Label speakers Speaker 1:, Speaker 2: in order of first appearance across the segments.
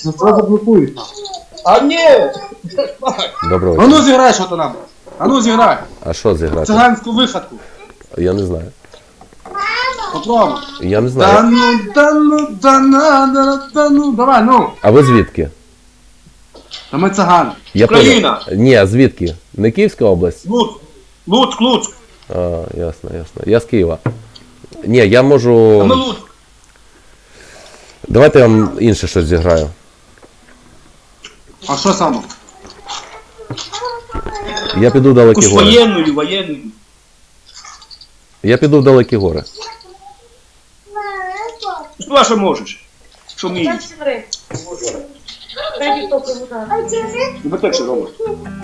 Speaker 1: Нас заблокують.
Speaker 2: А ні!
Speaker 3: Доброго
Speaker 1: А ну
Speaker 3: вечора.
Speaker 1: зіграй, що то нам. А ну зіграй.
Speaker 3: А що зіграти?
Speaker 1: Циганську вихадку.
Speaker 3: Я не знаю.
Speaker 1: Попробуй.
Speaker 3: Я не
Speaker 1: Да
Speaker 3: знаю.
Speaker 1: ну, да ну, да ну, давай, ну.
Speaker 3: А ви звідки?
Speaker 1: Та ми цигани.
Speaker 3: Я
Speaker 2: Україна.
Speaker 3: понял. Ні, а звідки? Не Київська область?
Speaker 2: Луцьк.
Speaker 3: А, ясно. Я з Києва. Ні, я можу...
Speaker 2: А ми Луцьк.
Speaker 3: Давайте я вам інше щось зіграю.
Speaker 1: А що саме?
Speaker 3: Я піду в далекі
Speaker 2: Якусь
Speaker 3: гори.
Speaker 2: воєнну.
Speaker 3: Я піду в далекі гори.
Speaker 2: Що що можеш? Що вмієш? Ну, так що робиш?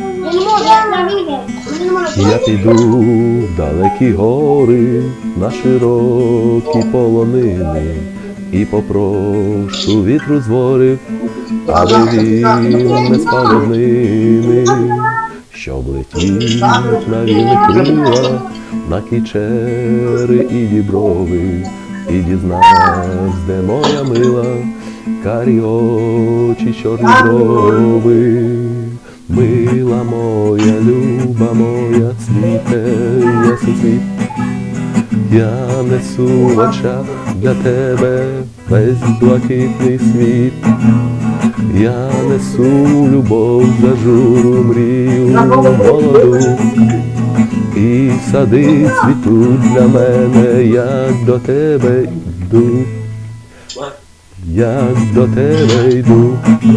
Speaker 3: Я піду в далекі гори, на широкі полонини, і попрошу вітру з ворів, аби він не спав з ними, щоб летів на вільних крилах, на кічери і діброви, і дізнавсь, де моя мила, карі очі, чорні брови. Мила моя, люба моя, цвіте ясний світ. Я несу в очах для тебе весь блакитний світ. Я несу любов, зажуру, мрію молоду. І сади цвітуть для мене, як до тебе йду. Як до тебе йду.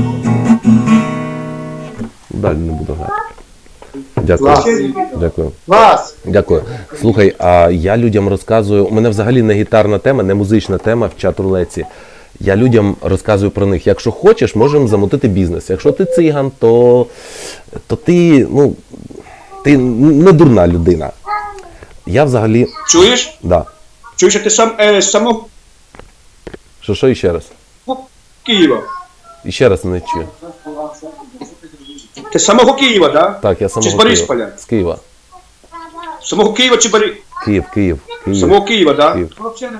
Speaker 3: Далі не буду грати. Дякую.
Speaker 1: Клас.
Speaker 3: Дякую.
Speaker 1: Клас.
Speaker 3: Дякую. Слухай, а я людям розказую, у мене взагалі не гітарна тема, не музична тема в чат-рулетці. Я людям розказую про них. Якщо хочеш, можемо замутити бізнес. Якщо ти циган, то ти, ну, ти не дурна людина. Я взагалі...
Speaker 2: Чуєш?
Speaker 3: Да.
Speaker 2: Чуєш, а ти сам з самого
Speaker 3: Що іще раз?
Speaker 2: Києва?
Speaker 3: Іще раз не чую.
Speaker 2: Ти з самого Києва, так?
Speaker 3: Так, я
Speaker 2: Чи з
Speaker 3: самого
Speaker 2: Борисполя?
Speaker 3: Києва. З Києва.
Speaker 2: З самого Києва чи
Speaker 3: Київ.
Speaker 2: З самого Києва, так?
Speaker 3: Київ.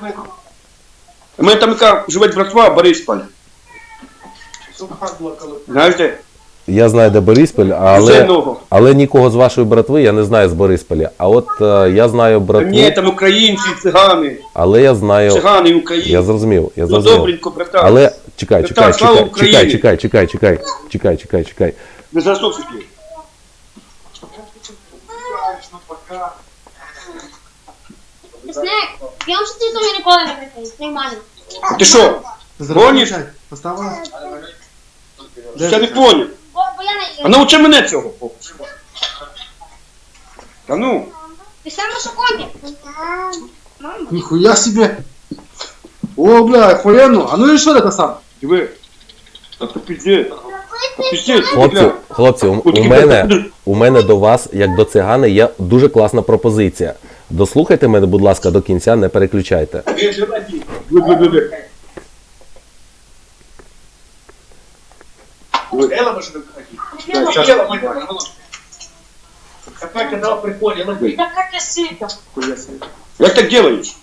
Speaker 2: У мене там яка живе братва Борисполь. Знаєш де?
Speaker 3: Я знаю, де Бориспіль, але нікого з вашої братви я не знаю з Борисполя. А от я знаю братву,
Speaker 2: Ні, там українці, цигани.
Speaker 3: але я знаю...
Speaker 2: Цигани і українці.
Speaker 3: Я зрозумів.
Speaker 2: Ну добренько, братан.
Speaker 3: Але чекай.
Speaker 2: Братан, слава Україні.
Speaker 3: Чекай.
Speaker 2: Не засовсики.
Speaker 4: Снег, я вам що ти тому ніколи не прикрив, нормально.
Speaker 2: Ти що? Гониш?
Speaker 1: Поставила?
Speaker 2: Я не поняв.
Speaker 4: Бо я
Speaker 2: А
Speaker 4: не...
Speaker 2: научи мене цього. Та ну.
Speaker 4: Ти сам на шокоді? Мама.
Speaker 1: Ніхуя себе. О, бля, охуєнно. А ну і що це сам?
Speaker 2: Диви. Та пиздець. Та пиздець.
Speaker 3: Хлопці, у мене до вас, як до цигани, є дуже класна пропозиція. Дослухайте мене, будь ласка, до кінця, не переключайте.
Speaker 5: Какая канал прикольный, она говорит, да как я сильно.
Speaker 2: Як так делаєш?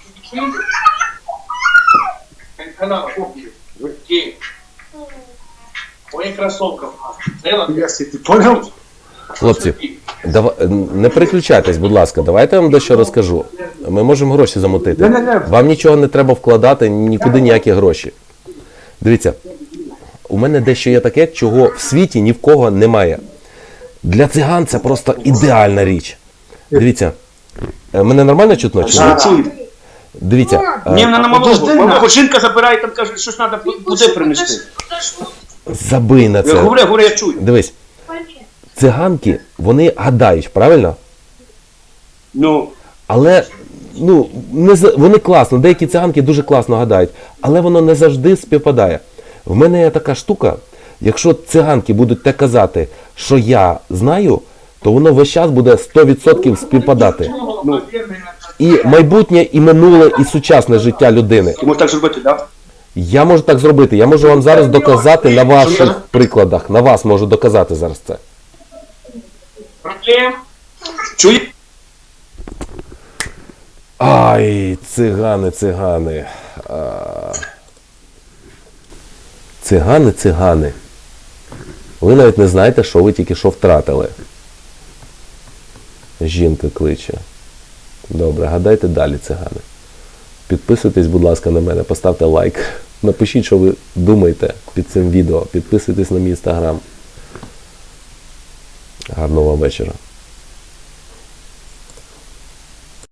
Speaker 5: Канал, где? Ой, кроссовков.
Speaker 1: Ніхуя себе, ти поняв?
Speaker 3: Хлопці, не переключайтесь, будь ласка, давайте я вам дещо розкажу. Ми можемо гроші замутити. Вам нічого не треба вкладати, нікуди ніякі гроші. Дивіться, у мене дещо є таке, чого в світі ні в кого немає. Для циган це просто ідеальна річ. Дивіться, мене нормально чутно чи ні?
Speaker 2: Чую.
Speaker 3: Дивіться,
Speaker 2: Ні, вона на малого. Жінка забирає, там каже, щось треба буде принести.
Speaker 3: забий на
Speaker 2: Я
Speaker 3: це.
Speaker 2: говорю, я чую.
Speaker 3: Дивись, циганки, вони гадають, правильно?
Speaker 2: Ну,
Speaker 3: Але, ну, вони класно, деякі циганки дуже класно гадають, але воно не завжди співпадає. В мене є така штука, якщо циганки будуть те казати, що я знаю, то воно весь час буде 100% співпадати. І майбутнє, і минуле, і сучасне життя людини.
Speaker 2: ти можеш так зробити, так?
Speaker 3: Я можу так зробити, я можу вам зараз доказати на ваших прикладах, на вас можу доказати зараз це.
Speaker 5: Проблем?
Speaker 2: Чуєш?
Speaker 3: Ай, цигани. Цигани, цигани. Ви навіть не знаєте, що ви тільки що втратили. Жінка кличе. Добре, гадайте далі, цигани. Підписуйтесь, будь ласка, на мене, поставте лайк. Напишіть, що ви думаєте під цим відео. Підписуйтесь на мій інстаграм. Гарного вам вечора.